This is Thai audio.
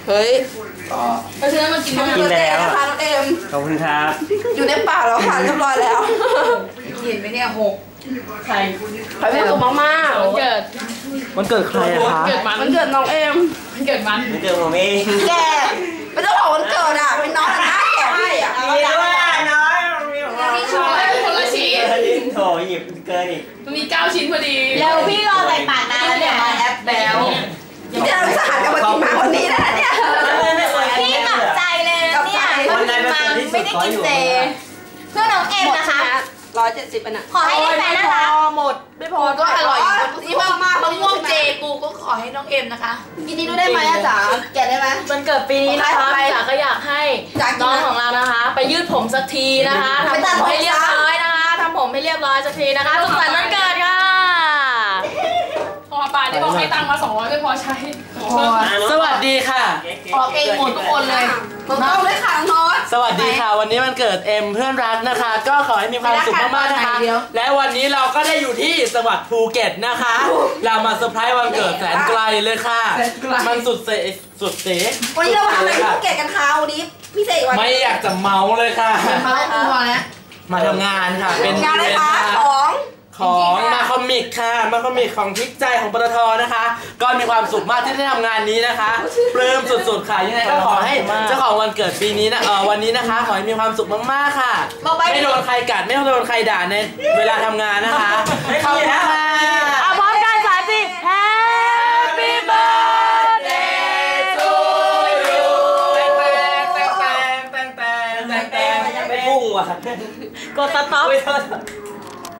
เฮ้ยเพราะฉะนั้นมันกินไม่ได้นะคะน้องเอ็มขอบคุณครับอยู่ในปากแล้วค่ะเรียบร้อยแล้วเห็นไหมเนี่ย6ใครไม่ถูกมากๆมันเกิดใครอะคะมันเกิดน้องเอ็มมันเกิดผมเองแกเป็นเจ้าของวันเกิดอ่ะเป็นน้องนะแกให้อ่ะมีด้วยน้อยมีชิ้นคนละชิ้นโถหยิบเกินอีกมันมี9 ชิ้นพอดีเร็วพี่รอใส่ปากนานแล้วเนี่ยแอปแล้วที่เราสหัสกันมากินมาวันนี้นะเนี่ยพี่หนักใจเลยนะเนี่ยมันไม่ได้กินเจเพื่อน้องเอ็มนะคะ 170นะขอให้ได้แฟนนะคะหมดไม่พอก็อร่อยนี่มากมะม่วงเจกูก็ขอให้น้องเอ็มนะคะกินนี้ดูได้ไหมอาจารย์แกะได้ไหมมันเกิดปีนี้นะคะจ๋าก็อยากให้น้องของเรานะคะไปยืดผมสักทีนะคะทำผมให้เรียบร้อยนะคะทำผมให้เรียบร้อยสักทีนะคะสุขสันต์วันเกิดค่ะพอป่านนี้บอกให้ตังค์มา200ไม่พอใช้สวัสดีค่ะออกเองหมดทุกคนเลยน้องเลยค่ะน้องสวัสดีค่ะวันนี้มันเกิดเอ็มเพื่อนรักนะคะก็ขอให้มีความสุขมากๆนะคะและวันนี้เราก็ได้อยู่ที่จังหวัดภูเก็ตนะคะเรามาเซอร์ไพรส์วันเกิดแสนไกลเลยค่ะมันสุดเสวันนี้เรามาทำอะไรที่ภูเก็ตกันคะวันนี้พิเศษวันไม่อยากจะเมาเลยค่ะมาทำงานค่ะเป็นงานอะไรคะของมาคอมิกค่ะมาคอมิกของทิกใจของปตทนะคะก็มีความสุขมากที่ได้ทำงานนี้นะคะปลื้มสุดๆค่ะยังไงก็ขอให้เจ้าของวันเกิดปีนี้นะวันนี้นะคะขอให้มีความสุขมากๆค่ะไม่โดนใครกัดไม่โดนใครด่าในเวลาทำงานนะคะขอบคุณค่ะพร้อมกัน3 4 Happy birthday to you ไม่พุ่งว่ะกดสต็อป